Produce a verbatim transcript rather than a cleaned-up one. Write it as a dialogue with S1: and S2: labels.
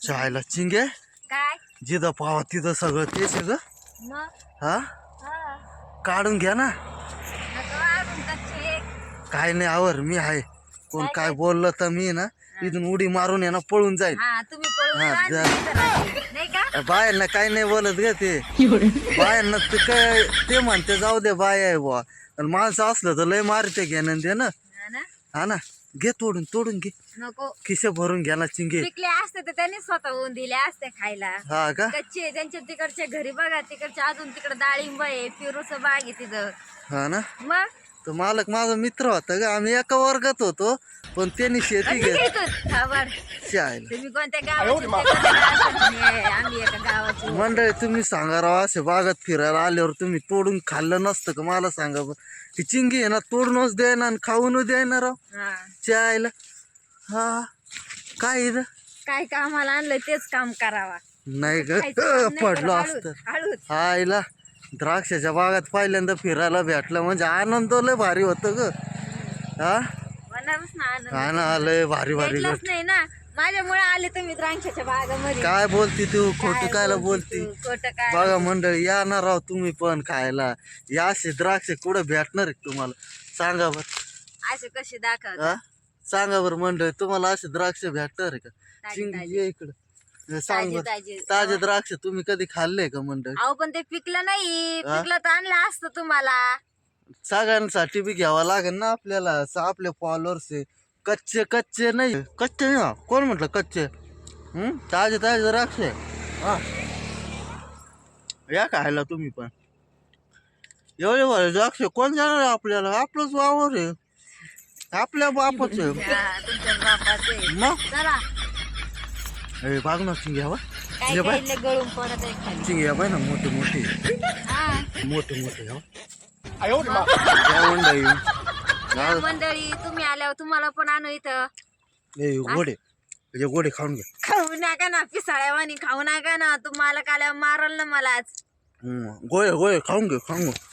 S1: चायला चिंगे
S2: काय
S1: जिथं पावा तिथं सगळं तेच आहे ग.
S2: मग
S1: हा
S2: हा
S1: काढून घ्या ना.
S2: नको अजून कच्चे
S1: काय नाही आवर मी आहे. कोण
S2: काय
S1: काय
S2: काय?
S1: बोललं तर मी ना इथून उडी मारून आहे ना पळून जाईल.
S2: हा तुम्ही पळून
S1: हा,
S2: जा आणि
S1: जा.
S2: मी इथं राहते. नाही का
S1: बायांना काय नाही बोलत ग ते. बायांना ते काय ते म्हणते जाऊ दे बाय आहे बुवा. आणि माणसं असलं तर लय मारते घेणं ते ना.
S2: हा ना
S1: हा ना घे तोडून तोडून घे.
S2: नको
S1: खिशे भरून घ्या ना चिंगे.
S2: पिकले असते तर त्यांनी स्वतःहून दिले असते खायला.
S1: हा का
S2: कच्चे त्यांच्या तिकडच्या घरी बघा तिकडच्या अजून तिकडे डाळिंब आहे पेरूचं बाग आहे तिथं.
S1: हा ना
S2: मग
S1: तो मालक माझा मित्र होता ग. आम्ही एका वर्गात होतो पण त्यांनी शेती
S2: कधी
S1: घे
S2: घेतो खबर
S1: चायला.
S2: तुम्ही कोणत्या गावाचे ते कोणत्या गावाचे नाही, आम्ही एका गावाचे.
S1: मंडळी तुम्ही सांगा राव असे बागात फिरायला आल्यावर तुम्ही तोडून खाल्लं नसतं का मला सांगा बरं. ती चिंगी आहे ना तोडूनच द्यायना आणि खाऊनच द्यायना राव
S2: हा
S1: चायला. हा काय इथं
S2: काय कामाला आणलं तेच काम करावा.
S1: नाही ग
S2: खायचं काम नाही
S1: पडलो
S2: करत,
S1: असतं.
S2: हळूच हळूच.
S1: आईला द्राक्षाच्या बागात पहिल्यांदा फिरायला भेटलं म्हणजे आनंद लय भारी होतं ग. हा
S2: मनावच ना आनंद.
S1: हा ना लय भारी भारी
S2: भेटलंच
S1: गोष्ट.
S2: नाही ना माझ्यामुळे आले तुम्ही द्राक्षाच्या बागामध्ये.
S1: काय बोलती तू खोटं
S2: काय
S1: कायला
S2: बोलती
S1: बोलती.
S2: तू? खोटं काय
S1: बघा मंडळी या ना राव तुम्ही पण खायला. या असे द्राक्ष कुठं भेटणार आहे तुम्हाला सांगा बर.
S2: असे कसे दाखवत
S1: हा सांगा बरं मंडळी तुम्हाला असे द्राक्ष भेटणार आहे का.
S2: ताजे,
S1: चिंग
S2: ताजे.
S1: ये इकडं सांग
S2: ताजे
S1: बर.
S2: ताजे
S1: ताजे द्राक्ष तुम्ही कधी खाल्ले का मंडळी.
S2: अहो पण ते पिकलं नाही
S1: हा?
S2: पिकलं तर आणलं असतं तुम्हाला.
S1: सगळ्यांसाठी बी घ्यावा लागेल ना आपल्याला. स- आपले फॉलोअर्स आहे. कच्चे कच्चे नाही कच्चे नाही हा. कोण म्हटलं कच्चे. हम्म ताजे ताजे द्राक्ष आहे. हा या खायला तुम्ही पण. एवढे भारी द्राक्ष कोण जाणार आहे आपल्याला. आपलंच वावर आहे आपल्या बापाच आहे.
S2: हा, तुमच्या बापाचे.
S1: मग
S2: चला
S1: हे बाग ना चिंग्या
S2: काय
S1: ये बाय.
S2: काय लय गळून पडत आहे खाली.
S1: चिंग्या बाय ना मोठे मोठे
S2: हा
S1: मोठे मोठे हो.
S2: मग
S1: या मंडळी
S2: या मंडळी तुम्ही आल्यावर तुम्हाला पण आणू इथं.
S1: हे गोडे हे गोडे खाऊन घे.
S2: खाऊ नका ना पिसाळ्यावानी खाऊ नका ना तुम्हाला काल्या मारल ना मलाच.
S1: हम्म, गोळे गोळे खाऊन घे खाऊन घे.